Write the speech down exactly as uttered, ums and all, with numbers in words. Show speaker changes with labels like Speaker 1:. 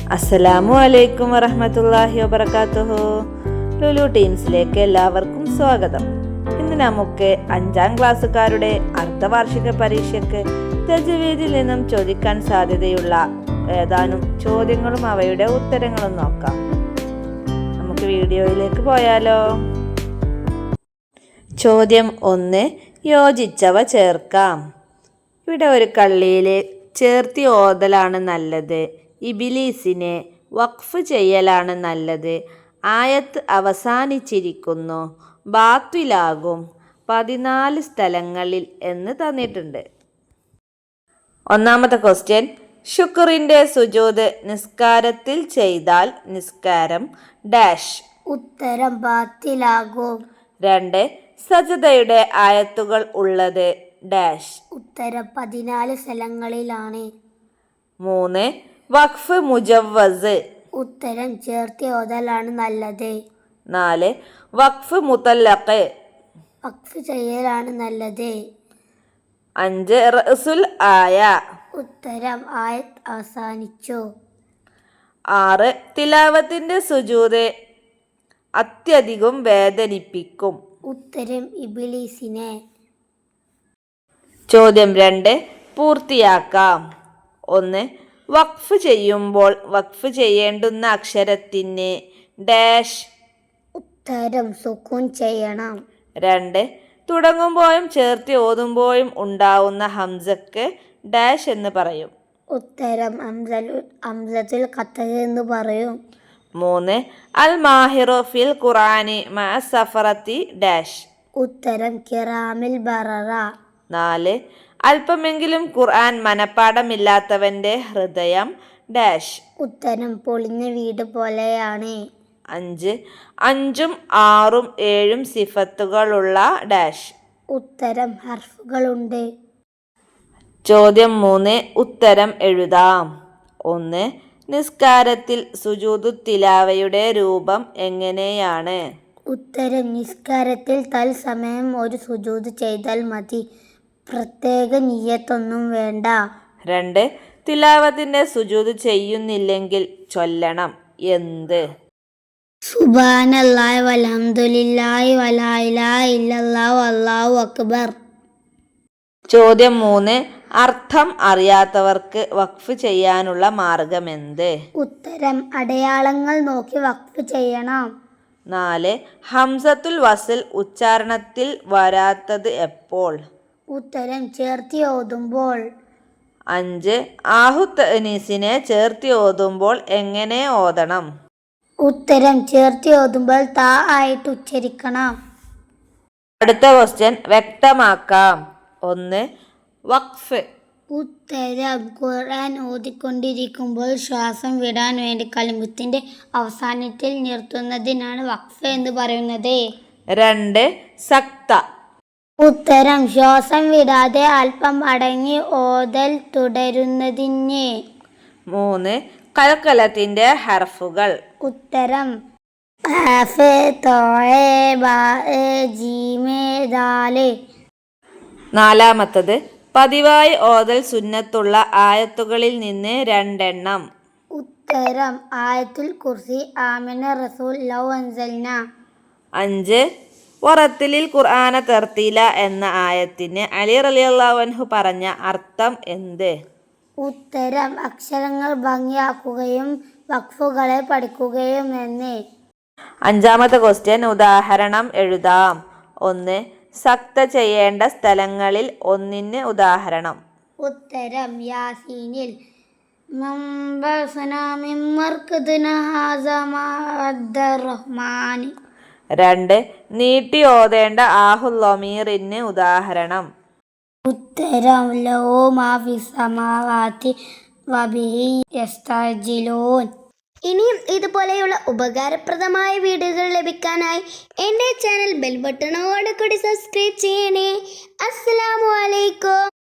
Speaker 1: അസ്സലാമു അലൈക്കും വറഹ്മത്തുള്ളാഹി വബറകാതുഹു. ലുലു ടീംസിലേക്ക് എല്ലാവർക്കും സ്വാഗതം. ഇന്ന് നമുക്ക് അഞ്ചാം ക്ലാസ്സുകാരുടെ അർദ്ധവാർഷിക പരീക്ഷയ്ക്ക് തജ്വീദിൽ നിന്നും ചോദിക്കാൻ സാധ്യതയുള്ള ഏതാനും ചോദ്യങ്ങളും അവയുടെ ഉത്തരങ്ങളും നോക്കാം. നമുക്ക് വീഡിയോയിലേക്ക് പോയാലോ. ചോദ്യം ഒന്ന്, യോജിച്ചവ ചേർക്കാം. ഇവിടെ ഒരു കള്ളിയിലെ ചേർത്തി ഓതലാണ് നല്ലത്, ഇബിലീസിനെ വഖഫ് ചെയ്യലാണ് നല്ലത്, ആയത്ത് അവസാനിച്ചിരിക്കുന്നു, ബാത്തിലാകും പതിനാല് സ്ഥലങ്ങളിൽ എന്ന് തന്നിട്ടുണ്ട്. ഒന്നാമത്തെ ക്വസ്റ്റ്യൻ, ശുക്റിന്റെ സുജൂദ് നിസ്കാരത്തിൽ ചെയ്താൽ നിസ്കാരം ഡാഷ്.
Speaker 2: ഉത്തരം ബാത്തിലാകും.
Speaker 1: രണ്ട്, സജദയുടെ ആയത്തുകൾ ഉള്ളത് ഡാഷ്.
Speaker 2: ഉത്തരം പതിനാല് സ്ഥലങ്ങളിലാണ്.
Speaker 1: മൂന്ന്, വഖഫ് മുജവ്വസ്.
Speaker 2: ഉത്തരം ചേർത്തി ഓതലാണ് നല്ലത്.
Speaker 1: നാല്, വഖഫ് മുതല്ലഖ്.
Speaker 2: വഖഫ് ചെയ്യലാണ് നല്ലത്.
Speaker 1: അഞ്ച്, റഅസുൽ ആയ.
Speaker 2: ഉത്തരം ആയത്ത് അവസാനിച്ചു.
Speaker 1: ആറ്, തിലാവത്തിന്റെ സുജൂദ് അത്യധികം വേദനിപ്പിക്കും.
Speaker 2: ഉത്തരം ഇബ്ലീസിനെ.
Speaker 1: ചോദ്യം രണ്ട്, പൂർത്തിയാക്കാം. ഒന്ന്, വഖഫ് ചെയ്യുമ്പോൾ വഖഫ് ചെയ്യേണ്ടുന്ന അക്ഷരത്തിന് ഡാഷ്.
Speaker 2: ഉത്തരം സുക്കൂൻ ചെയ്യണം.
Speaker 1: രണ്ട്, തുടങ്ങുമ്പോഴും ചേർത്തി ഓതുമ്പോഴും ഉണ്ടാവുന്ന ഹംസക്ക് ഡാഷ് എന്ന് പറയും.
Speaker 2: ഉത്തരം ഹംസത്തുൽ ഖത്അ എന്ന് പറയും.
Speaker 1: മൂന്ന്, അൽ മാഹിറു ഫിൽ ഖുർആനി മഅ സഫറത്തി ഡാഷ്.
Speaker 2: ഉത്തരം കിറാമിൽ ബററ.
Speaker 1: നാല്, അല്പമെങ്കിലും ഖുർആൻ മനപ്പാടമില്ലാത്തവന്റെ ഹൃദയം ഡാഷ്.
Speaker 2: ഉത്തരം പൊളിഞ്ഞ വീട് പോലെയാണ്.
Speaker 1: അഞ്ച്, അഞ്ചും ആറും ഏഴും സിഫത്തുകളുള്ള ഡാഷ്.
Speaker 2: ഉത്തരം ഹർഫുകളുണ്ട്.
Speaker 1: ചോദ്യം മൂന്ന്, ഉത്തരം എഴുതാം. ഒന്ന്, നിസ്കാരത്തിൽ സുജൂദു തിലാവയുടെ രൂപം എങ്ങനെയാണ്?
Speaker 2: ഉത്തരം നിസ്കാരത്തിൽ തൽസമയം ഒരു സുജൂദ് ചെയ്താൽ മതി, പ്രത്യേക നിയ്യത്തൊന്നും വേണ്ട. രണ്ട്, തിലാവത്തിന്റെ സുജൂദ് ചെയ്യുന്നില്ലെങ്കിൽ ചൊല്ലണം എന്ത്? സുബ്ഹാനല്ലാഹി വൽഹംദുലില്ലാഹി വലാ ഇലാഹ ഇല്ലല്ലാഹു അല്ലാഹു അക്ബർ.
Speaker 1: ചോദ്യം മൂന്ന്, അർത്ഥം അറിയാത്തവർക്ക് വഖഫ് ചെയ്യാനുള്ള മാർഗമെന്ത്?
Speaker 2: ഉത്തരം അടയാളങ്ങൾ നോക്കി വഖഫ് ചെയ്യണം.
Speaker 1: നാല്, ഹംസത്തുൽ വസ്ൽ ഉച്ചാരണത്തിൽ വരാത്തത് എപ്പോൾ?
Speaker 2: ഉത്തരം ചേർത്തി ഓതുമ്പോൾ.
Speaker 1: അഞ്ച്, ആഹു തഅനീസിനെ ചേർത്തി ഓതുമ്പോൾ എങ്ങനെ ഓതണം?
Speaker 2: ഉത്തരം ചേർത്തി ഓതുമ്പോൾ താ ആയിട്ട് ഉച്ചരിക്കണം.
Speaker 1: അടുത്ത ക്വസ്റ്റ്യൻ വ്യക്തമാക്കാം. ഒന്ന്, വഖഫ്.
Speaker 2: ഉത്തരം ഖുർആൻ ഓതിക്കൊണ്ടിരിക്കുമ്പോൾ ശ്വാസം വിടാൻ വേണ്ടി കലിമത്തിന്റെ അവസാനത്തിൽ നിർത്തുന്നതിനാണ് വഖഫ് എന്ന് പറയുന്നത്.
Speaker 1: രണ്ട്, സക്ത.
Speaker 2: ഉത്തരം ശ്വാസം വിടാതെ അല്പം അടങ്ങി ഓതൽ തുടരുന്നതിന്. മൂന്ന്,
Speaker 1: കൽക്കലത്തിന്റെ ഹർഫുകൾ.
Speaker 2: ഉത്തരം ഖാഫ്, ത്വാ, ബാ, ജീം, ദാൽ.
Speaker 1: നാലാമത്തത്, പതിവായി ഓതൽ സുന്നത്തുള്ള ആയത്തുകളിൽ നിന്ന് രണ്ടെണ്ണം.
Speaker 2: ഉത്തരം ആയത്തുൽ കുർസി, ആമന റസൂൽ, ലൗ അൻസൽന.
Speaker 1: അഞ്ച്, വറത്തിലിൽ ഖുർആന തർത്തീല എന്ന ആയത്തിന് അലി റളിയല്ലാഹു അൻഹു പറഞ്ഞ അർത്ഥം എന്ത്?
Speaker 2: ഉത്തരം അക്ഷരങ്ങൾ ഭംഗിയാക്കുകയും വഖഫുകളെ പഠിക്കുകയും എന്ന്.
Speaker 1: അഞ്ചാമത്തെ ക്വസ്റ്റ്യൻ ഉദാഹരണം എഴുതാം. ഒന്ന്, സക്ത ചെയ്യേണ്ട സ്ഥലങ്ങളിൽ ഒന്നിന് ഉദാഹരണം.
Speaker 2: ഉത്തരം യാസീനിൽ.
Speaker 1: രണ്ട്, നീട്ടി ഓതേണ്ട ആഹുൽ ലമീറിന് ഉദാഹരണം.
Speaker 2: ഉത്തരം ലോ മാ ഫിസ് സമാവാതി വബിഹി യസ്തഅ്ജിലൂൻ. ഇനിയും ഇതുപോലെയുള്ള ഉപകാരപ്രദമായ വീഡിയോകൾ ലഭിക്കാനായി എൻ്റെ ചാനൽ ബെൽ ബട്ടണോട് കൂടി സബ്സ്ക്രൈബ് ചെയ്യണേ. അസ്സലാമു അലൈക്കും.